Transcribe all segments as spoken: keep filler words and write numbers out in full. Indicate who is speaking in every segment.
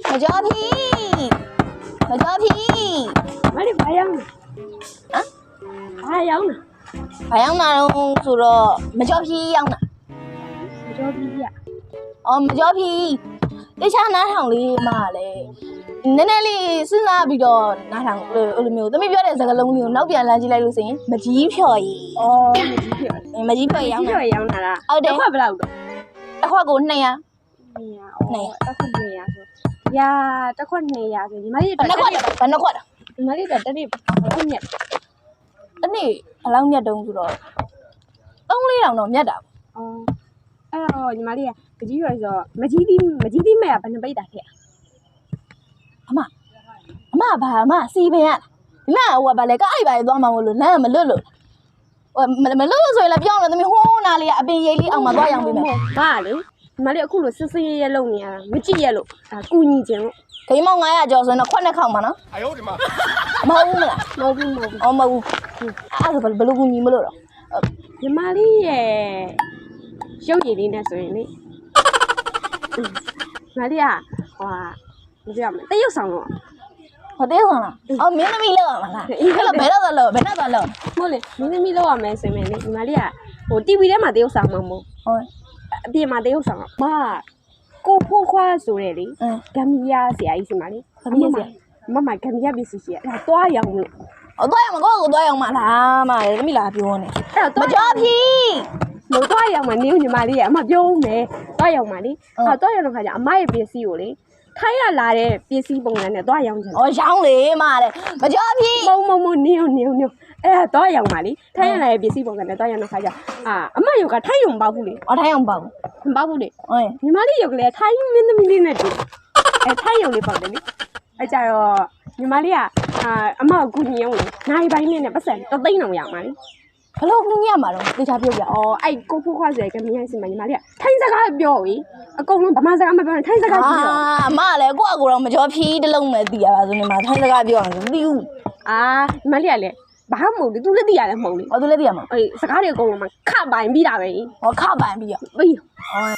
Speaker 1: မကြောပြီမကြောပြီ
Speaker 2: မလေးဘာရောက်လဲဟမ်ဘာရောက်လဲ
Speaker 1: ဘာရောက်လာတော့ဆိုတော့မကြောပြီရောက်လာ
Speaker 2: မကြောပြီပြ
Speaker 1: အော်မကြောပြီတခြားနားထောင်လေးမှလည်းနည်းနည်းလေးစဉ်းစားပြီးတော့နားထောင်အဲ့လိုမျိုးသမီးပြောတဲ့စကားလုံးလေးကိုနောက်ပြန်လမ်းကြည့်လိုက်လို့ဆိုရင်မကြီးဖြော်ကြီး
Speaker 2: အော်မကြီးဖြော်
Speaker 1: မကြီးဖြော်ရောက်လာ
Speaker 2: မကြီးဖြော်ရောက်လာလား
Speaker 1: ဟုတ်တယ်
Speaker 2: တစ်ခွက်ဘယ်လောက်တော့
Speaker 1: တစ်ခွက်ကိုနှစ်ရာ
Speaker 2: နှစ်ရာအော်တစ်ခွက်နှစ်ရာဆိုရာတစ်ခွက်နှစ်ရာဆိုညီမလေး
Speaker 1: ဘယ်နှခွက်လဲဘယ်နှခွက်လဲ
Speaker 2: ညီမလေးကတနေ့ဘယ်လောက်မြတ်
Speaker 1: တနေ့ဘယ်လောက်မြတ်တုံးဆိုတော့သုံးလေးတောင်တော့မြတ်တာ
Speaker 2: အော်အဲ့တော့ညီမလေးကကြီးရွယ်ဆိုမကြီးသီးမကြီးသီးမဲ့ကဘယ်နှပိတ်တာခဲ့
Speaker 1: အမအမဘာအမစီပင်ရဒီလားဟိုကဘာလဲကအဲ့ဘာလေးသွားမှာမလို့လမ်းမလွတ်လို့ဟိုမလွတ်လို့ဆိုရင်လည်းပြောင်းလို့သမီးဟိုးနာလေးကအပင်ရိပ်လေးအောင်မှာသွားရောင်းပေးမယ်
Speaker 2: ဟာလေညီမလေးအခုလိုစစ်စစ်ရဲရဲလုပ်နေရတာမကြည့်ရလို့ဒါကူညီခြင်းလို့
Speaker 1: ဂိမ်းမောင်900ကျော်ဆိုရင်တော့ခွက်နှစ်ခေါက်မှာနော်
Speaker 3: 哎呦我的妈
Speaker 1: မဟုတ်ဘူးမလား
Speaker 2: မဟုတ်ဘူးမဟုတ်ဘူး
Speaker 1: အော်မဟုတ်ဘူးအဲ့ဒါဘယ်လိုကူညီမလို့တော့
Speaker 2: ညီမလေးရဲ့ရုပ်ရည်လေးနဲ့ဆိုရင်လေညီမလေးကဟိုမပြောမတရုပ်ဆောင်တော့
Speaker 1: ဟိုတဲဆောင်လားအော်မင်းသမီးလောက်ရမှာလားအဲ့တော့ဘယ်တော့လောက်ဘယ်တော့လောက်
Speaker 2: ဟုတ်လေမင်းသမီးလောက်ရမယ်ဆိုရင်လေညီမလေးကဟို တီဗီ ထဲမှာတရုပ်ဆောင်မှာမဟုတ်
Speaker 1: ဟုတ်
Speaker 2: အပြင်မှာတရုပ်ဆောင်မကိုဖိုးခွားဆိုတဲ့လေဂမ်ဘီယာဆရာကြီးစီမလေး
Speaker 1: ဂမ်ဘီယာဆရာ
Speaker 2: မမဂမ်ဘီယာပစ္စည်းရှိအဲ့ဒါသွားရောင်းလို့
Speaker 1: အော်သွားရောင်းမကိုကိုသွားရောင်းမှာလားမလေသမီးလာပြောနေ
Speaker 2: အဲ့တော့မ
Speaker 1: ကြောပြီ
Speaker 2: လို့သွားရောင်းမှာနေညီမလေးကအမပြောဦးမယ်သွားရောင်းမှာလေအဲ့တော့သွားရောင်းတဲ့ခါကျအမရဲ့ပစ္စည်းကိုလေထိုင်းရလာတဲ့ပစ္စည်းပုံစံနဲ့သွားရောင်းချင်
Speaker 1: ။အော်ရောင်းလေမလေမကြောပြီ
Speaker 2: ။မုံမုံမုံနင်းနင်းနင်းအဲ့ဒါသွားရောင်းပါလေ။ထိုင်းရလာတဲ့ပစ္စည်းပုံစံနဲ့သွားရောင်းတဲ့ခါကျအာအမယောကထိုင်းရုံပေါ့ဘူးလေ
Speaker 1: ။အော်ထိုင်းရုံပေါ့ဘူး
Speaker 2: ။မပေါ့ဘူးလေ
Speaker 1: ။ဟုတ်
Speaker 2: ညီမလေးယောကလည်းထိုင်းမင်းသမီးလေးနဲ့တူ။အဲထိုင်းရုံလေးပေါ့တယ်လေ။အဲကြတော့ညီမလေးကအာအမကိုကူညီအောင်လေ။နိုင်ပိုင်းနဲ့ပတ်စံတသိန်းအောင်ရမှာလေ။
Speaker 1: ဘလို့ကူညီရမှာတော့တေချာပြောပြ
Speaker 2: ။အော်အဲ့ကိုဖိုးခွားဆိုရကမြင်းစီမညီမလေးကထိုင်းစကားပြောပြီ။အကုန်လုံးဗမာစကားမပြောနဲ့ထိုင်းစကားပြော
Speaker 1: ။အာအမလည်းကိုယ့်အကူတော့မကြောဖြီးတလုံးပဲသိရပါဆိုနေမှာထိုင်းစကားပြောအောင်မသိဘူး
Speaker 2: ။အာညီမလေးကလည်းဘာမှမဟုတ်လေသူလည်းသိရတယ်မဟုတ်လေ
Speaker 1: ။အော်သူလည်းသိရမှာ
Speaker 2: ။အေးစကားတွေအကုန်လုံးမှခပိုင်ပြီးတာပဲ
Speaker 1: ။ဟောခပိုင်ပြီးရ
Speaker 2: ။ပြီး။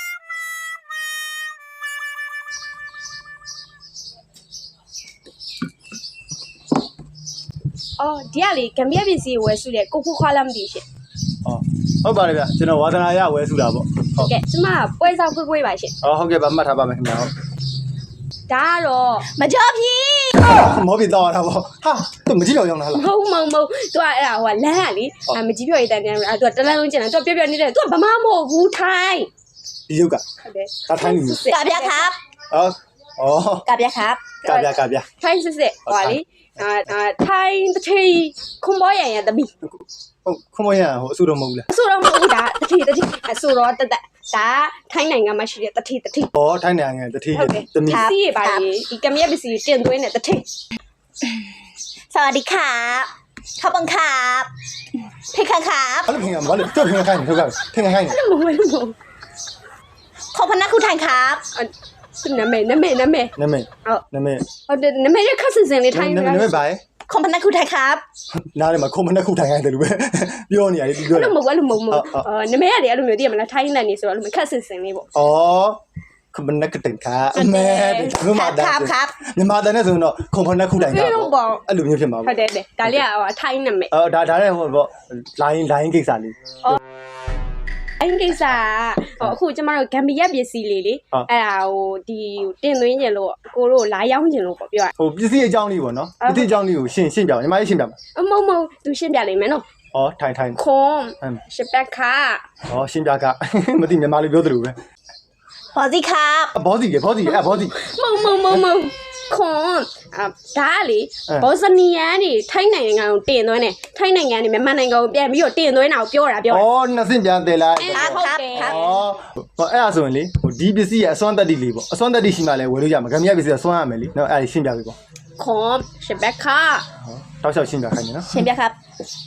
Speaker 2: အော်ဒီကလေဂမ်ဘီယာပစ္စည်းဝယ်စုတယ်ကိုဖိုးခွားလားမသိရှင်
Speaker 3: ။အော်ဟုတ်ပါတယ်ဗျကျွန်တော်ဝါသနာရဝယ်စုတာပေါ့
Speaker 2: ။ဟုတ်ကဲ့ကျမပွဲစားခွေးခွေးပါရှင်
Speaker 3: ။အော်ဟုတ်ကဲ့ပါမှတ်ထားပါမယ်ခင်ဗျာဟုတ်
Speaker 2: ။ဒါကတော့
Speaker 1: မကြောပြီ
Speaker 3: ။မောပြီတော့တာပေါ့။ဟာသူမကြည့်တော့ရောင်းလားလား
Speaker 2: ။မဟုတ်မဟုတ်မဟုတ်သူကအဲ့ဒါဟိုလမ်းကလေမကြီးပြော်ရတဲ့တန်းအဲ့သူကတလန်းလုံးကျင်တယ်သူကပြောပြောနေတယ်သူကဗမာမဟုတ်ဘူးထိုင်း
Speaker 3: ဒီရုပ်က
Speaker 2: ဟုတ်တယ်
Speaker 3: ဒါထိုင်းလူ
Speaker 1: မျိုးကဗျာခပ်
Speaker 3: အော်အော်
Speaker 1: ကဗျာခပ်
Speaker 3: ကဗျာကဗျာ
Speaker 2: ထိုင်းစစ်စစ်ဟိုလေအာထိုင်းတထေးခွန်ပေါ်ရံရတမီ
Speaker 3: ဟုတ်ခွန်ပေါ်ရံဟိုအဆူတော့မဟုတ်ဘူးလား
Speaker 2: အဆူတော့မဟုတ်ဘူးဒါတထေးတထေးအဆူတော့တသက်ဒါထိုင်းနိုင်ငံမှာရှိတဲ့တထေးတထေး
Speaker 3: ဩထိုင်းနိုင်ငံတထေး
Speaker 2: တမီစီးရပါလေဒီကမြက်ပစ္စည်းတင်သွင်းတဲ့တထေး
Speaker 1: สวัสดีครับขอบคุณครับเพคะครับ
Speaker 3: အဲ့လိုခင်ဗျာဘာလို့ကြောက်ခင်ခိုင်းနေထုတ်ကြခင်ခိုင်းနေ
Speaker 2: အဲ့လိုမဟုတ်ဘူး
Speaker 1: ขอบคุณนะคุณไทยครับ
Speaker 2: နာမည်နာမည်နာမည်
Speaker 3: နာမည်
Speaker 2: ဟုတ်
Speaker 3: နာမည်
Speaker 2: ဟုတ်တယ်နာမည်ရခက်စင်စင်လေးထိုင်း
Speaker 3: နာမည်နာမည်ဘာလဲ
Speaker 1: ขอบคุณนะคุณไทยครับ
Speaker 3: နားထဲမှာခွန်မနဲ့ခုထိုင်ခိုင်းတယ်လို့ပဲပြောနေရတယ်ဒီပြော
Speaker 2: တယ်အဲ့လိုမဟုတ်အဲ့လိုမဟုတ်မဟုတ်အာနာမည်ရတယ်အဲ့လိုမျိုးသိရမလားထိုင်းလန်နေဆိုတော့အဲ့လိုခက်စင်စင်လေးပေါ့
Speaker 3: ဩခွန်မနဲ့ကတင်ခါအမဲဒီမှာဒါမြန်မာတန်နဲ့ဆိုတော့ခွန်မနဲ့ခုထိုင်တာအဲ့လိုမျိုးဖြစ်မှာ
Speaker 2: ပေါ့ဟုတ်တယ်ဒါလေးကဟိုထိုင်းနာမည်
Speaker 3: အော်ဒါဒါလည်းဟိုပေါ့ line line ကိစ္စလေး
Speaker 2: အဲ့ကိစ္စဟိုအခုကျမတို့ဂမ်ဘီယာပစ္စည်းလေးလေအဲ့ဒါဟိုဒီတင်သွင်းကျင်လို့ကိုတို့လာရောင်းကျင်လို့ပေါ့ပြောရ
Speaker 3: ဟိုပစ္စည်းအကြောင်းလေးပေါ့နော်ပစ္စည်းအကြောင်းလေးကိုရှင်းရှင်းပြအောင်ညီမလေးရှင်းပြပါ
Speaker 2: အမမသူရှင်းပြလိမ့်မယ်နော်
Speaker 3: ဩထိုင်ထိုင်
Speaker 2: ခွန်ရှပက်ခါ
Speaker 3: ဩရှင်းပြကမသိမြန်မာလေးပြောသလိုပဲ
Speaker 1: ဘောစီครับ
Speaker 3: ဘောစီကဘောစီအဲ့ဘောစီ
Speaker 2: မမမမခွန်အာဒါလေဘောဇနီယန်နေထိုင်းနိုင်ငံကိုတင်သွင်းတယ်ထိုင်းနိုင်ငံနေမြန်မာနိုင်ငံကိုပြန်ပြီးတော့တင်သွင်းတာကိုပြောတာပြောတာ
Speaker 3: ဩနှစ်စင်ပြန်တယ်လား
Speaker 1: ครับครับ
Speaker 3: ဩဟောအဲ့ဒါဆိုရင်လေဟိုဒီပစ္စည်းရဲ့အစွမ်းတက်တိလေးပေါ့အစွမ်းတက်တိရှိမှလည်းဝယ်လို့ရမှာဂမ်ဘီယာပစ္စည်းကစွမ်းရမယ်လေနော်အဲ့ဒါရှင်းပြပေးပေါ့
Speaker 2: ခွန်ရှပက်ခါ
Speaker 3: ဟောတောက်လျှောက်ရှင်းပြခိုင်းနေနော်
Speaker 1: ရှင်းပြครับ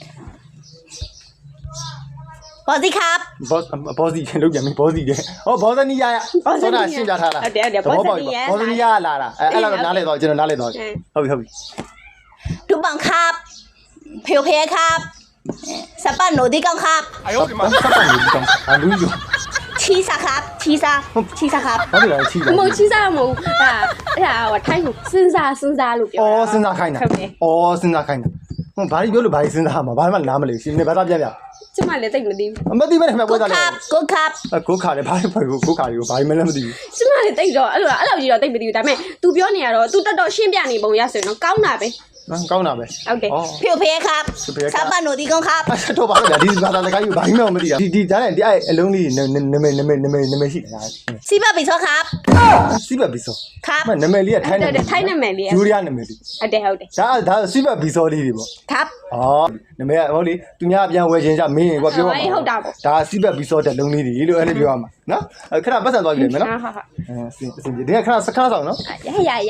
Speaker 1: ဘောစီครับ
Speaker 3: ဘောဘောစီလောက်ပြန်ပြီဘောစီတဲ့ဟောဘောဇနီယာရဆောတာရှင်းပြထားတာ
Speaker 2: ဟုတ်တယ်ဟုတ်တယ်ဘောဇနီယာ
Speaker 3: ဘောဇနီယာလာတာအဲ့အဲ့လောက်နားလေတော့ကျွန်တော်နားလေတော့ဟုတ်ပြီဟုတ်ပြီ
Speaker 1: ดุบังครับเพลเพครับสปันโนดิกังครับ
Speaker 3: 哎呦我的妈สปันโนดิกังอ่ะလူอยู่
Speaker 1: ชีซาครับชีซาชีซาครับ
Speaker 3: ဘာလို့လဲချီးတာ
Speaker 2: မဟုတ်ချီးစားမဟုတ်ဒါအဲ့ဒါကထိုင်းကိုစဉ်းစားစဉ်းစားလို့ပြော
Speaker 3: အော်စဉ်းစားခိုင်းတာ
Speaker 2: ဟုတ်တယ်
Speaker 3: အော်စဉ်းစားခိုင်းတာဟိုဘာလို့ပြောလို့ဘာလို့စဉ်းစားမှာဘာမှနားမလဲရှင်နေဘာသာပြပြ
Speaker 2: ကျမလည်းတိတ်မသိဘူး
Speaker 3: မသိမဲ့ခင်ဗျပွဲစားလေ
Speaker 1: ကိုခပ်
Speaker 3: ကိုခါတယ်ဘာလို့ဖွဲ့ကိုကိုခါတွေကိုဘာမှလည်းမသိဘူး
Speaker 2: ကျမလည်းတိတ်တော့အဲ့လိုအဲ့လိုကြီးတော့တိတ်မသိဘူးဒါပေမဲ့ तू ပြောနေရတော့ तू တက်တော့ရှင်းပြနေပုံရဆိုရင်တော့ကောင်းတာပဲ
Speaker 3: နော်ကောင်းတာပဲ
Speaker 2: ဟုတ်တယ်
Speaker 1: ဖြိုဖေးခပ်စပ်ပနိုဒီကုန်းခပ်
Speaker 3: အဲ့တော့ဘာလို့လဲဒီဘာသာစကားကြီးဘာမှမသိတာဒီဒီဒါနဲ့ဒီအဲ့အလုံးလေးနမည်နမည်နမည်နမည်ရှိတယ်လား
Speaker 1: စီဘဘီဆောခပ်
Speaker 3: စီဘဘီဆော
Speaker 1: ခပ်
Speaker 3: မနမည်လေးကထိုင်း
Speaker 2: ဟုတ်တယ်ထိုင်းနာမည်လေး
Speaker 3: ယူရီးယားနမည်လေး
Speaker 2: ဟုတ်တယ်ဟုတ်တယ်
Speaker 3: ဒါဒါစီဘဘီဆောလေးတွေပေါ့
Speaker 1: ခပ်
Speaker 3: အော်နမည်ကဟုတ်လေသူများပြန်ဝယ်ခြင်းကြမင်းကွာပြောပါဒါစီဘဘီဆောတဲ့လုံးလေးတွေလို့အဲ့လိုပြောရမှာနော်ခဏပတ်စံသွားပြီလေမယ်နော်
Speaker 2: ဟာဟာဟာ
Speaker 3: အဲစင်စင်ဒီကခဏစခဏဆောင်နော်
Speaker 2: ရရရ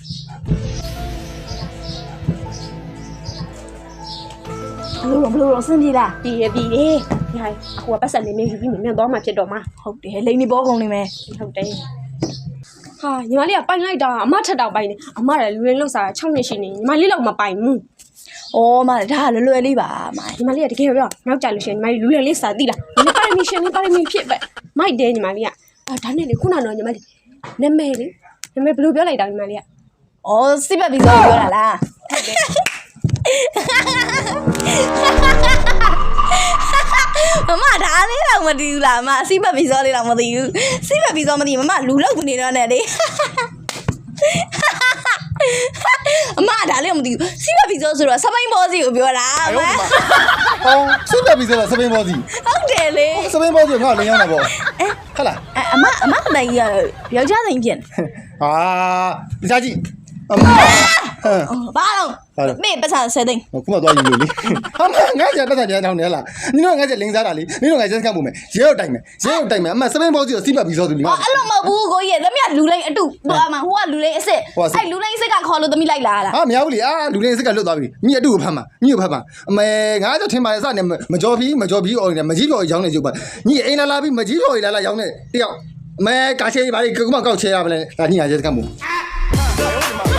Speaker 1: ဘလို့ဘလို့စင်ပြေလား
Speaker 2: ပြီးရပြီးရရအခုကပတ်စံနေနေယူပြီးမြန်သွားမှဖြစ်တော့မှာ
Speaker 1: ဟုတ်တယ်လိန်နေပေါ်ကုန်နေမယ်
Speaker 2: ဟုတ်တယ်ဟာညီမလေးကပိုင်လိုက်တာအမထက်တော့ပိုင်နေအမလည်းလူရင်းလောက်စား၆နှစ်ရှိနေညီမလေးတော့မပိုင်ဘူး
Speaker 1: အော်မဒါလွယ်လွယ်လေးပါမ
Speaker 2: ညီမလေးကတကယ်ပြောနောက်ကြလို့ရှိရင်ညီမလေးလူရင်းလေးစားသိလားညီမပါရမီရှင်လေးပါရမီဖြစ်ပဲမိုက်တယ်ညီမလေးကအာဒါနဲ့လေခုနကတော့ညီမလေးနာမည်လေနာမည်ဘယ်လိုပြောလိုက်တာညီမလေးက
Speaker 1: အော်စီဘဘီဆောပြောတာလားမမဒါလေးတော့မသိဘူးလားမစီဘဘီဆောလေးတော့မသိဘူးစီဘဘီဆောမသိမမလူလောက်နေတော့နဲ့လေအမဒါလေးမသိဘူးစီဘဘီဆောဆိုတော့စပိန်ဘောစီကိုပြောတာအမ
Speaker 3: ဟောစီဘဘီဆောစပင်းဘောစီ
Speaker 1: ဟုတ်တယ်လေ
Speaker 3: စပင်းဘောစီငါလင်းရောက်တာပေါ့ဟုတ်လား
Speaker 1: အမအမကတိုင်ကြီးကယောက်ျားစိန်ဖြစ်နေ
Speaker 3: ဟာဒီစားကြည့်အမဟမ်
Speaker 1: ဘာလို့မေပတ်စားဆယ်သိန်း
Speaker 3: ခုမှသွားယူလို့လေဟာမငါ့ကျပတ်သက်ကြတောင်းနေလားနင်တို့ငါ့ကျလင်းစားတာလေနင်တို့ငါ့ကျစကတ်ပုံမယ်ရဲရောက်တိုင်မယ်ရဲရောက်တိုင်မယ်အမစပင်းဘောစီကိုစီဘဘီဆောသူလी
Speaker 1: အော်အဲ့လိုမဟုတ်ဘူးကိုကြီးသမီးကလူလိန်အတုဟိုအမဟိုကလူလိန်အစ်စ်အဲ့လူလိန်အစ်စ်ကခေါ်လို့သမီးလိုက်လာလား
Speaker 3: ဟာမရဘူးလေအာလူလင်းစကတ်လွတ်သွားပြီညီအတူကိုဖမ်းပါညီကိုဖမ်းပါအမေငါ့ကျထင်ပါလေစနေမကြော်ဖီးမကြော်ဖီးအော်နေမကြီးတော်ရောင်းနေကြပါညီအိမ်လာလာပြီးမကြီးတော်လာလာရောင်းနေတယောက်အမေကာချေးပါလေကကုမကောက်ချေရပါလေဒါညီငါကျစကတ်ပုံ